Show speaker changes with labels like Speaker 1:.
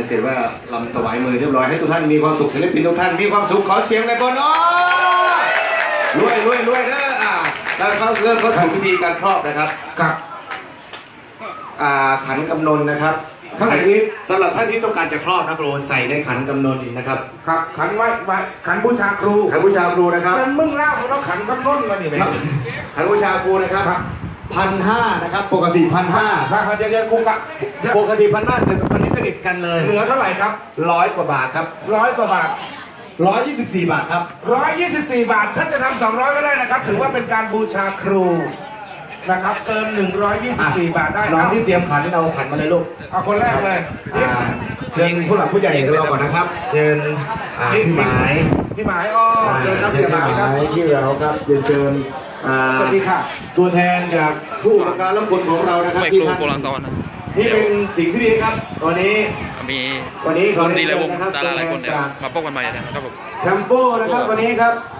Speaker 1: เสร็จว่าลำถวายมือเรียบร้อยให้ทุกท่านมีความสุขศิลปินทุกท่านมีความสุขขอเสียงในบนอ้อรวยเด้อแล้วเขาเริ่มเข้าสู่พิธีการครอบนะครับกับขันกำนนนะครับข้างในนี้สำหรับท่านที่ต้องการจะครอบนะครูใส่ในขันกำนนนะครับ
Speaker 2: ครับขันไว้ขันบูชาครู
Speaker 1: ขันบูชาครูนะครับ
Speaker 2: มันมึงเล่าเราขันกำนนมาดิไหม
Speaker 1: ขันบูชาครูนะครับ1,500นะครับปกติ1,500
Speaker 2: ถ้าจะเรียนครูกะ
Speaker 1: ปกติ1,500แต่ตอนนี้สนิทกันเลย
Speaker 2: เหลือเท่าไหร่ครับ
Speaker 1: 100 กว่าบาทครับ
Speaker 2: 100 กว่าบาท
Speaker 1: 124 บาทครับ
Speaker 2: 124 บาทท่านจะทำ200ก็ได้นะครับถือว่าเป็นการบูชาครูนะครับเกิน124 บาทได้
Speaker 1: น้องที่เตรียมขันเอาขันมาเลยลูก
Speaker 2: เอาคนแรกเลย
Speaker 1: เชิญผู้หลักผู้ใหญ่ของเราก่อนนะครับเชิญพี่หมาย
Speaker 2: เชิญครับเสียหมายครับ
Speaker 1: พี่เราครับเชิญ
Speaker 2: สวัสดีค่ะ
Speaker 1: ตัวแทนจากผู้ประการรับคนของเรานะครับที่ท่านนี่เป็นสิ่งที่ดีครับวันนี้
Speaker 3: มี
Speaker 1: เขา
Speaker 3: ดีเลย
Speaker 1: เชิญ
Speaker 3: วง
Speaker 1: นะครับ
Speaker 3: ดาราหลายคนเนี่ยมาพบกันใหม่นะครับผม
Speaker 1: แคมโปนะครับวันนี้ครับ